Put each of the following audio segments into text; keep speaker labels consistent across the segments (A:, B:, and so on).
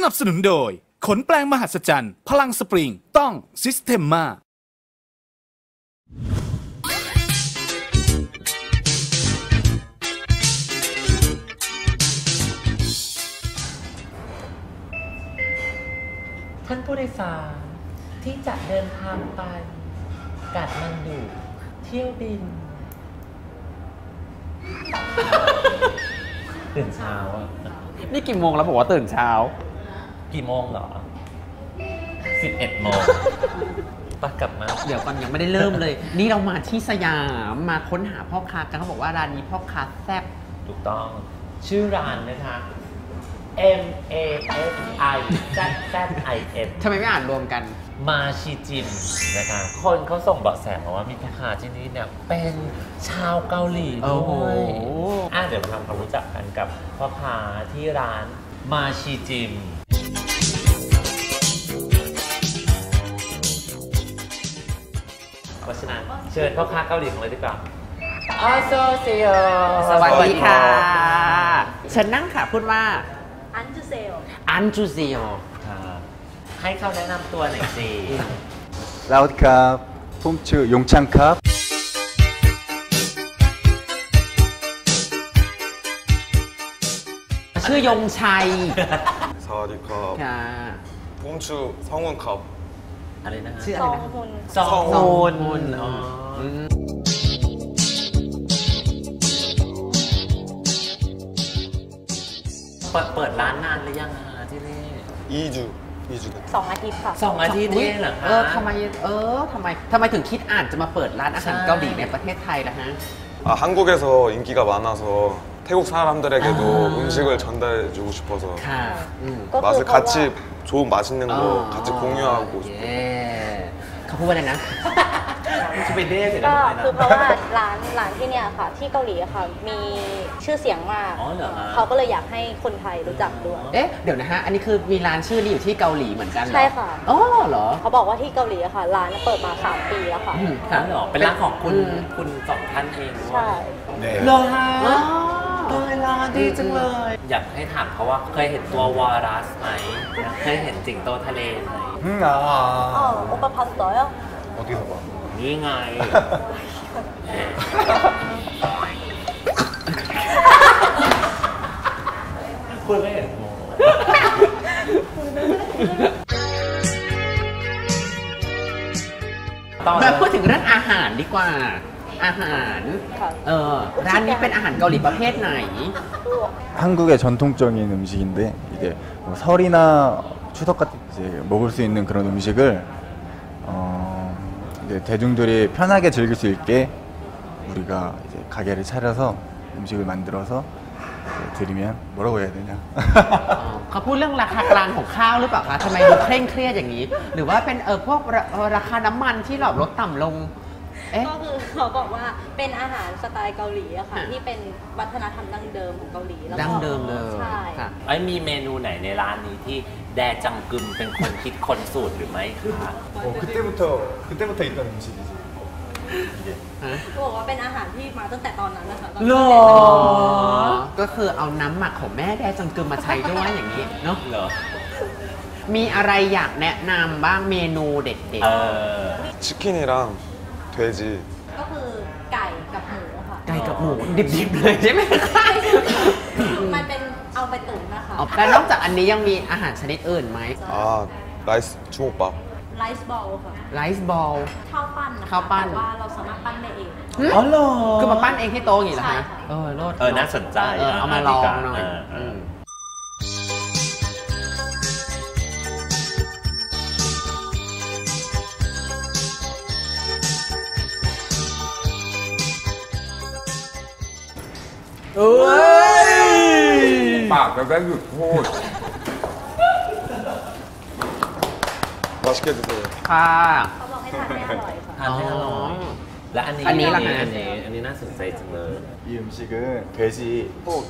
A: นับสนุนโดยขนแปลงมหัศจรรย์พลังสปริงต้องซิสเ e มมา
B: ท่านผู้โดยสารที่จะเดินทางไปกาดมันดูเที่ยวบินตื่นเช้าอ่ะ
C: นี่กี่โมงแล้วบอกว่าตื่นเช้า
B: กี่โมงเหรอ11 โมงปกลับมา
C: เดี๋ยวก่อนยังไม่ได้เริ่มเลยนี่เรามาที่สยามมาค้นหาพ่อค้ากันเขาบอกว่าร้านนี้พ่อค้าแซ่บ
B: ถูกต้องชื่อร้านนะคะ MASIZZIM
C: ทำไมไม่อ่านรวมกัน
B: มาชิจิมนะคะคนเขาส่งเบาะแสมาว่ามีพ่อค้าที่นี่เนี่ยเป็นชาวเกาหลีด้วยเดี๋ยวมาทำความรู้จักกันกับพ่อค้าที่ร้านมาชิจิมเพราะฉะนั้นเชิญพ่อค้าเกาหลีของเราดีกว่าออโซเซโย
C: สวัสดีค่ะเชิญนั่งค่ะพูดว่า
D: อันจูเซโอ
C: อันจูเซโอ
B: ให้เขาแนะนำตัวหน่อยสิ
E: ลาวครับผมชื่อยงชังครับ
C: ชื่อยงชัย
E: สวัสดีครับผมชื่อซองฮุนครับ
B: อะไรนะ
C: ชื่ออะไรนะ
B: ซองฮุนเปิดร้านนานหรือยังคะที่นี่
D: 2 อาทิตย์ค่ะ
B: 2 อาทิตย์นี่เหรอคะ
C: ทำไมถึงคิดอ่านจะมาเปิดร้านอาหารเกาหลีในประเทศไทยล่ะฮะ
E: 한국에서 인기가 많아서 태국 사람들에게도 음식을 전달해주고 싶어서 맛을 같이 좋은 맛있는 거 같이 공유하고 싶어요.
C: เขาพูดว่าอะไรนะ
B: จะไปเด้เลย
D: ก็คือเพราะว่าร้านที่เนี่ยค่ะที่เกาหลีค่ะมีชื่อเสียงมากเขาก็เลยอยากให้คนไทยรู้จักด้วย
C: เดี๋ยวนะฮะอันนี้คือมีร้านชื่อนี้อยู่ที่เกาหลีเหมือนกัน
D: ใช่ค่ะ
C: อ๋อเหรอ
D: เขาบอกว่าที่เกาหลีค่ะร้านเปิดมา3 ปีแล้วค่ะ
B: เหรอเป็นร้านของคุณ2 ท่านเอง
D: ใช่
B: เหรอฮะร้านดีจังเลยอยากให้ถามเขาว่าเคยเห็นตัววารัสไหมเคยเห็นสิงโตทะเลไหม
D: โอปะพัสโตย
B: นี่ไงคุณไม่เห็น
C: มาพูดถึงเรื่องอาหารดีกว่าอาหารร้านนี้เป็นอาหารเกาหลีประเภทไหน
E: 한국의 전통적인 음식인데 이게 뭐 설이나 추석 같은 이제 먹을 수 있는 그런 음식을 이제 대중들이 편하게 즐길 수 있게 우리가 이제 가게를 차려서 음식을 만들어서 드리면 뭐라고 해야 되냐?
C: เขาพูดเรื่องราคากลางของข้าวหรือเปล่าคะทำไมดูเคร่งเครียดอย่างนี้หรือว่าเป็นพวกราคาน้ำมันที่ลดต่ำลง
D: ก็คือเขาบอกว่าเป็นอาหารสไตล์เกาหลีอะค่ะที่เป็นวัฒนธรรมดั้งเดิมของเกาหลี
C: แล้วดั้งเดิมเลย
D: ใช่
B: มีเมนูไหนในร้านนี้ที่แดจังกึมเป็นคนคิดคนสูตรหรือไม่คะ
E: 그때부터 있던 음식이지
D: เขาบอกว่าเป็นอาหารที่มาตั้งแต่ตอนนั้นนะคะ
C: หรอก็คือเอาน้ำหมักของแม่แดจังกึมมาใช้ด้วยอย่างนี้เนาะ
B: เหรอ
C: มีอะไรอยากแนะนำบ้างเมนูเด็ด
E: ๆ치킨이랑 돼지
D: ก็คือไก่กับหมูค่ะ
C: ไก่กับหมูดิบๆเลยใช่ไหม
D: มันเป็นเอาไปตุ๋นนะคะ
C: แล้วนอกจากอันนี้ยังมีอาหารชนิดอื่นไหม
E: 라이스 주먹밥
D: ไลซ์บอลค่ะ
C: ไลซ์บอล
D: ข้าวปั้นนะคะแต่ว่าเราสามารถปั้นได้เอง
C: อ๋อเหรอคือมาปั้นเองที่โต๊ะอย่างนี้เหรอคะ
B: น่าสนใจ
C: เอามาลองหน่อย
E: ปากแล้วได้หยุดพูด맛있게 드세요
C: ค่ะ
D: เขาบอกให้ทานให้อร่อยค่ะ
B: ทานให้อร่อยและอันนี้ล่ะอันนี้น่าสนใจจังเลย
E: 이 음식은 돼지 포크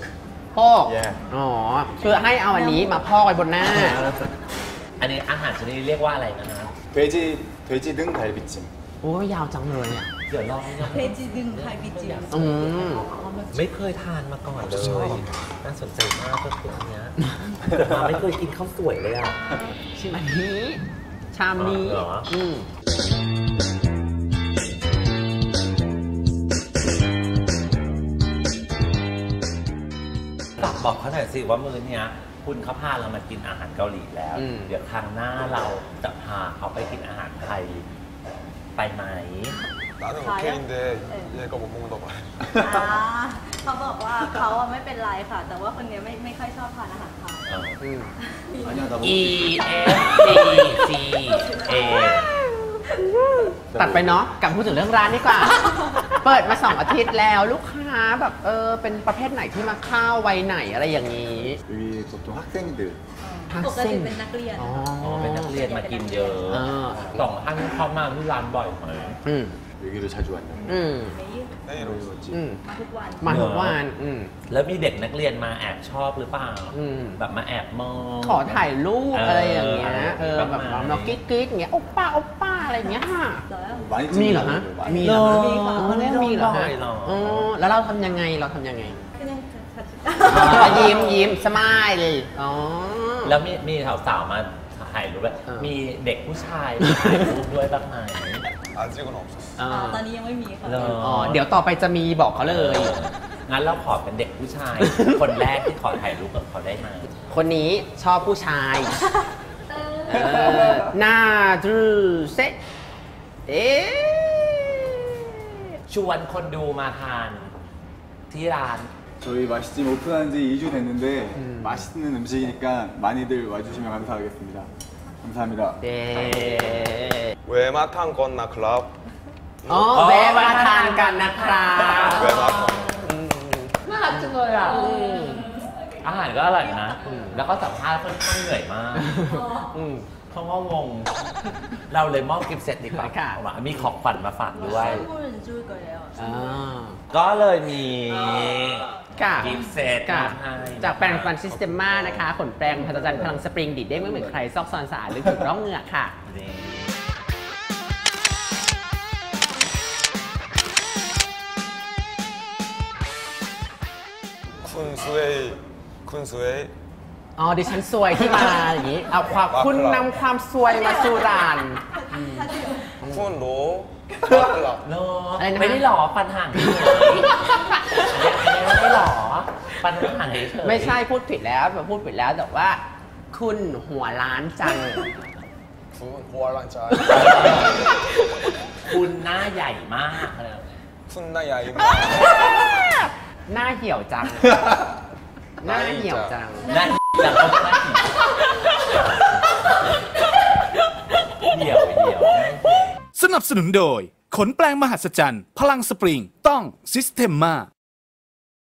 C: คือให้เอาอันนี้มาพอกไว้บนหน้า
B: อันนี้อาหารชนิดเรียกว่าอะไรนะ
E: 돼지 등 갈비찜
C: โอ้ยยาวจังเลยอ่ะ
B: ดี๋ยวลองยัง
F: เพจิดึงไฮบิจิ
B: ไม่เคยทานมาก่อนเลยน่าสนใจมากก็คืออันเนี้ยแต่มาไม่เคยกินข้าวสวยเลยอ่ะ
C: ชิมอันนี้ชามนี้
B: เหรอ บอกเขาหน่อยสิว่ามื้อเนี้ยคุณเขาพาเรามากินอาหารเกาหลีแล้ว เดี๋ยวครั้งหน้าเราจะพาเขาไปกินอาหารไทยไปไหม
E: 나는 오케이인데 얘가 못 먹는다고 말해.
D: เขาบอกว่าเขาอะไม่เป็นไรค่ะ แต่ว่าคนนี้ไม่ค่อยชอบทานอาหารไทย
B: E F C C A
C: ตัดไปเนาะกลับพูดถึงเรื่องร้านดีกว่า เปิดมา2 อาทิตย์แล้วลูกค้าแบบเป็นประเภทไหนที่มาเข้าวัยไหนอะไรอย่างนี้
G: 여기 보통 학생들
D: ปกติเป็นนักเรียน
C: อ๋อ
B: อ๋อเป็นนักเรียนมากินเยอะสองท่านเข้ามาที่ร้านบ่อยไหม
G: 여기를 자주 왔냐?
E: 내일 오지.
D: มาทุกวัน
C: มาทุกวัน
B: แล้วมีเด็กนักเรียนมาแอบชอบหรือเปล่าแบบมาแอบมอง
C: ขอถ่ายรูปอะไรอย่างเงี้ย
B: แบบ
C: แบบเรากิ๊กๆอย่างเงี้ยโอป้าโอป้าอะไรอย่างเงี้ยค่ะ
G: 많이
C: มีเหรอฮะ
G: 많이
C: มีเหรอฮะ
B: มี
C: อ๋อ
B: มี
C: มีเหรอฮะ
B: หรอ
C: อ๋อแล้วเราทำยังไงยิ้มสมายเลยอ๋อ
B: แล้วมีสาวๆมาถ่ายรูปด้วยมีเด็กผู้ชายมาถ่ายรูปด้วยบ้างไหม
E: 아직은 없었어.
D: ตอนนี้ยังไม่มีค่ะ
B: เหรอ
C: อ๋อเดี๋ยวต่อไปจะมีบอกเขาเลย
B: งั้นเราขอเป็นเด็กผู้ชาย คนแรกที่ขอถ่ายรูปกับเขาได้ไหม
C: คนนี้ชอบผู้ชายหน้าดูเซ็ตเอ๊ะ
B: ชวนคนดูมาทานที่ร้าน
G: 저희 맛있집 오픈한 지 2주 됐는데 맛있는 음식이니까 많이들 와주시면 감사하겠습니다. 감사합니다.
C: เด้
E: 외마탕 건나 클럽.
C: อ๋อแวะมาทานกันนะครับ
E: 외마탕.
C: น่ารักจังเลยอ่ะ
B: อาหารก็อร่อยนะ แล้วก็สัมภาษณ์ค่อนข้างเหนื่อยมากเพราะว่างง เราเลยมอบกิฟต์เซตดีกว่า
C: ค่ะ
B: มีของขวัญมาฝากด้วย
D: พูดถึงจุ้ยก่อนแล้ว
C: อ่า
B: ก็เลยมี
C: ค่ะ
B: กิฟต์เซต
C: ค่ะ
B: มาให้
C: จากแปรงฟันซิสเต็มมานะคะขนแปรงพัฒจันทร์พลังสปริงดีดเด้งไม่เหมือนใครซอกซอนสะอาดหรือถูกร่องเหงือกค่ะ
B: นี่
E: 쿤스웨이.
C: อ๋อดิฉันซวยที่มาอย่างนี้ เอาความคุณนำความซวยมาสู่ร้าน
E: 쿤로. 마클라.
B: เนอะ
C: อะไรนะ
B: ไม่ได้หรอฟันห่างเฉยไม่ได้หรอฟันห่างเฉย
C: ไม่ใช่พูดผิดแล้วพูดผิดแล้วแต่ว่า คุณหัวล้านจัง
E: 쿤 호알란짜.
B: คุณหน้าใหญ่มากเลย
E: 쿤나 야이마.
C: หน้าเหี่ยวจัง หน้าเหี่ยวจัง
B: หน้าจังก็หน้าเหี่ยว
A: สนับสนุนโดย ขนแปลงมหัศจรรย์ พลังสปริง ต้อง Systema